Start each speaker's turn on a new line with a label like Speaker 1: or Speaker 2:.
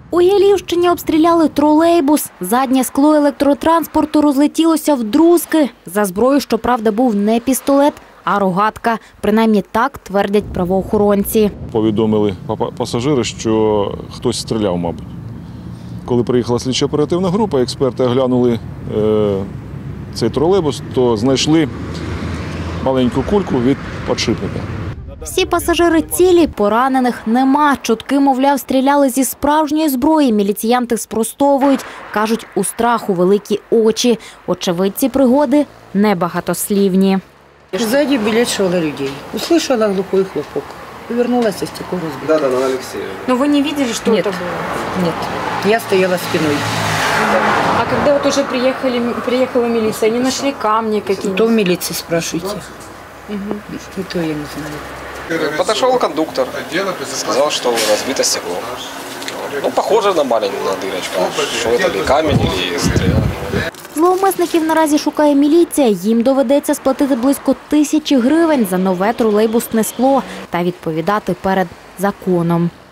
Speaker 1: У Ялівщині обстріляли тролейбус. Заднє скло електротранспорту розлетілося вдрузки. За зброю, щоправда, був не пістолет, а рогатка. Принаймні так твердять правоохоронці.
Speaker 2: Повідомили пасажири, що хтось стріляв, мабуть. Коли приїхала слідчо-оперативна група, експерти оглянули цей тролейбус, то знайшли маленьку кульку від підшипника.
Speaker 1: Всі пасажири цілі, поранених нема. Чутки, мовляв, стріляли зі справжньої зброї. Міліціянти спростовують. Кажуть, у страху великі очі. Очевидці пригоди небагатослівні.
Speaker 3: Сзади белетшало людей. Услышала глухой хлопок. Повернулась, и стекло разбило.
Speaker 4: Да, на Алексея.
Speaker 5: Но вы не видели, что
Speaker 3: Нет.
Speaker 5: это было?
Speaker 3: Нет, я стояла спиной.
Speaker 5: А когда вот уже приехала милиция, они нашли камни какие-нибудь?
Speaker 3: То в милиции спрашивайте. И то я не знаю.
Speaker 4: Подошел кондуктор, сказал, что разбито стекло. Ну, похоже на маленькую дырочку. Что это, или камень, или стрела.
Speaker 1: Зловмисників наразі шукає міліція. Їм доведеться сплатити близько 1000 гривень за нове тролейбусне скло та відповідати перед законом.